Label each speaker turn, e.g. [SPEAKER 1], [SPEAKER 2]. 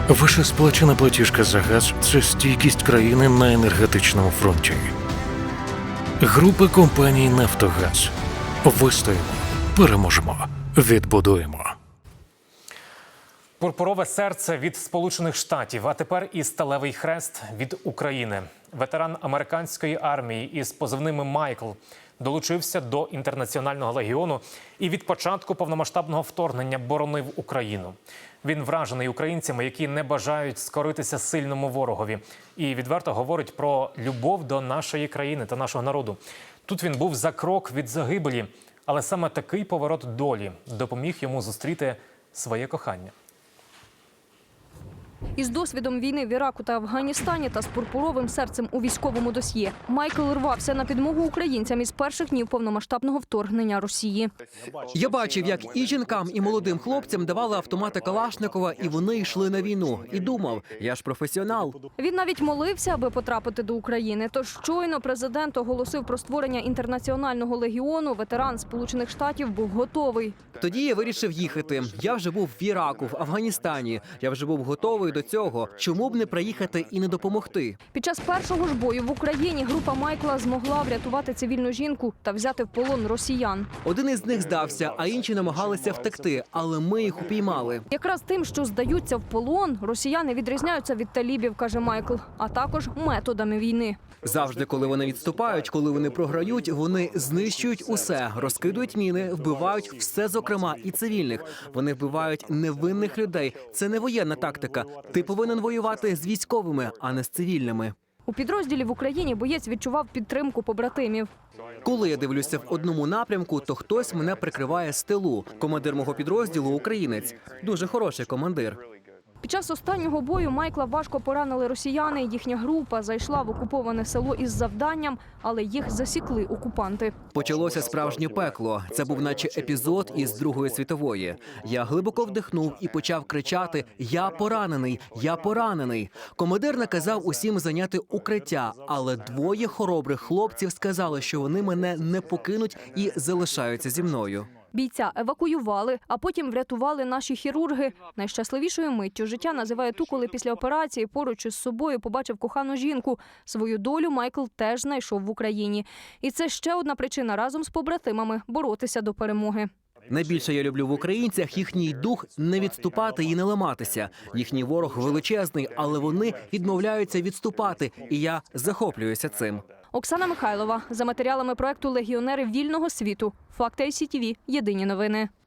[SPEAKER 1] Ваша сплачена платіжка за газ – це стійкість країни на енергетичному фронті. Група компаній «Нафтогаз». Вистоїмо, переможемо, відбудуємо.
[SPEAKER 2] Пурпурове серце від Сполучених Штатів, а тепер і сталевий хрест від України. Ветеран американської армії із позивними «Майкл» долучився до Інтернаціонального легіону і від початку повномасштабного вторгнення боронив Україну. Він вражений українцями, які не бажають скоритися сильному ворогові. І відверто говорить про любов до нашої країни та нашого народу. Тут він був за крок від загибелі, але саме такий поворот долі допоміг йому зустріти своє кохання.
[SPEAKER 3] Із досвідом війни в Іраку та Афганістані та з пурпуровим серцем у військовому досьє Майкл рвався на підмогу українцям із перших днів повномасштабного вторгнення Росії.
[SPEAKER 4] Я бачив, як і жінкам, і молодим хлопцям давали автомати Калашникова, і вони йшли на війну. І думав, я ж професіонал.
[SPEAKER 3] Він навіть молився, аби потрапити до України. Тож щойно президент оголосив про створення Інтернаціонального легіону, ветеран Сполучених Штатів був готовий.
[SPEAKER 4] Тоді я вирішив їхати. Я вже був в Іраку, в Афганістані. Я вже був готовий до цього. Чому б не приїхати і не допомогти?
[SPEAKER 3] Під час першого ж бою в Україні група Майкла змогла врятувати цивільну жінку та взяти в полон росіян.
[SPEAKER 4] Один із них здався, а інші намагалися втекти, але ми їх упіймали.
[SPEAKER 3] Якраз тим, що здаються в полон, росіяни відрізняються від талібів, каже Майкл, а також методами війни.
[SPEAKER 4] Завжди, коли вони відступають, коли вони програють, вони знищують усе, розкидують міни, вбивають все, зокрема і цивільних. Вони вбивають невинних людей. Це не воєнна тактика. Ти повинен воювати з військовими, а не з цивільними.
[SPEAKER 3] У підрозділі в Україні боєць відчував підтримку побратимів.
[SPEAKER 4] Коли я дивлюся в одному напрямку, то хтось мене прикриває з тилу. Командир мого підрозділу – українець. Дуже хороший командир.
[SPEAKER 3] Під час останнього бою Майкла важко поранили росіяни. Їхня група зайшла в окуповане село із завданням, але їх засікли окупанти.
[SPEAKER 4] Почалося справжнє пекло. Це був наче епізод із Другої світової. Я глибоко вдихнув і почав кричати «Я поранений! Я поранений!». Командир наказав усім зайняти укриття, але двоє хоробрих хлопців сказали, що вони мене не покинуть і залишаються зі мною.
[SPEAKER 3] Бійця евакуювали, а потім врятували наші хірурги. Найщасливішою миттю життя називає ту, коли після операції поруч із собою побачив кохану жінку. Свою долю Майкл теж знайшов в Україні. І це ще одна причина разом з побратимами боротися до перемоги.
[SPEAKER 4] Найбільше я люблю в українцях їхній дух не відступати і не ламатися. Їхній ворог величезний, але вони відмовляються відступати, і я захоплююся цим.
[SPEAKER 3] Оксана Михайлова. За матеріалами проекту «Легіонери вільного світу». Факти ICTV. Єдині новини.